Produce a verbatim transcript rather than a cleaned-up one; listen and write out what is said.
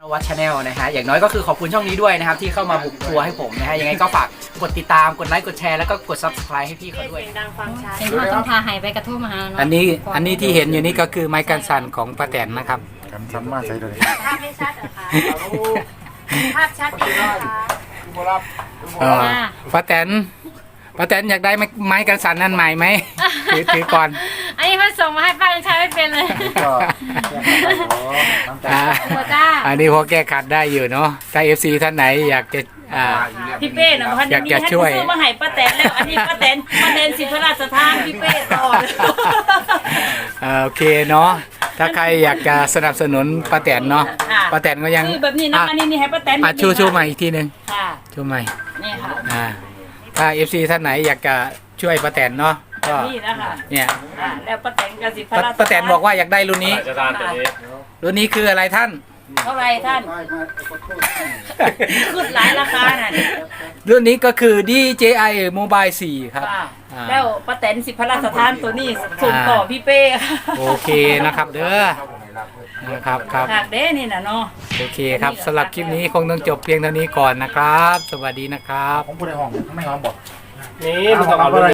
วัดชาแนลนะฮะอย่างน้อยก็คือขอบคุณช่องนี้ด้วยนะครับที่เข้ามาบุกครัวให้ผมนะฮะยังไงก็ฝากกดติดตามกดไลค์กดแชร์แล้วก็กด ซับสไครบ์ ให้พี่เขาด้วยเสียงดังฟังชัดเห็นว่าต้องพาหายไปกระทุ่มมาหาเนาะอันนี้อันนี้ที่เห็นอยู่นี่ก็คือไม้กันสั่นของป้าแตนนะครับกันซ้ำมาใส่เลยภาพไม่ชัดเหรอคะภาพชัดดีนะคะเออป้าแตนป้าแตนอยากได้ไม้ไม้กันสั่นนั่นใหม่ไหมถือถือก่อนอันนี้มันส่งมาให้ป้ายังใช้ไม่เป็นเลยก็อ่าหัวจ้าอันนี้พอแก้ขัดได้อยู่เนาะถ้าเอฟซีท่านไหนอยากจะอ่าพี่เป้นะพันอยากนี้จะท่านช่วยซื้อมาให้ป้าแตนแล้วอันนี้ป้าแตนป้าแตนสิพระราชทานพี่เป้ต่อเอ่อโอเคเนาะถ้าใครอยากจะสนับสนุนป้าแตนเนาะป้าแตนก็ยังคือแบบนี้นะอ่ะอันนี้นี่ให้ป้าแตนอ่ะชูชูใหม่อีกทีหนึ่งค่ะชูใหม่นี่ค่ะอ่าถ้าเอฟซีท่านไหนอยากจะช่วยป้าแตนเนาะก็นี่นะคะเนี่ยอ่าแล้วป้าแตนก็สิพระป้าราชทานป้าแตนบอกว่าอยากได้รุ่นนี้จะทานตัวนี้รุ่นนี้คืออะไรท่านเท่าไรท่านขึ้นหลายราคาน่ะรุ่นนี้ก็คือ ดี เจ ไอ Mobile สี่ครับค่ะอ่าแล้วป้าแตนสิพระราชทานตัวนี้ส่งต่อพี่เป้ค่ะโอเคนะครับเด้อนะครับครับหากเด้นี่น่ะเนาะโอเคครับสำหรับคลิปนี้คงต้องจบเพียงเท่านี้ก่อนนะครับ สวัสดีนะครับผมพูดในห้องข้างในห้องบอกนี่มันต้องเอา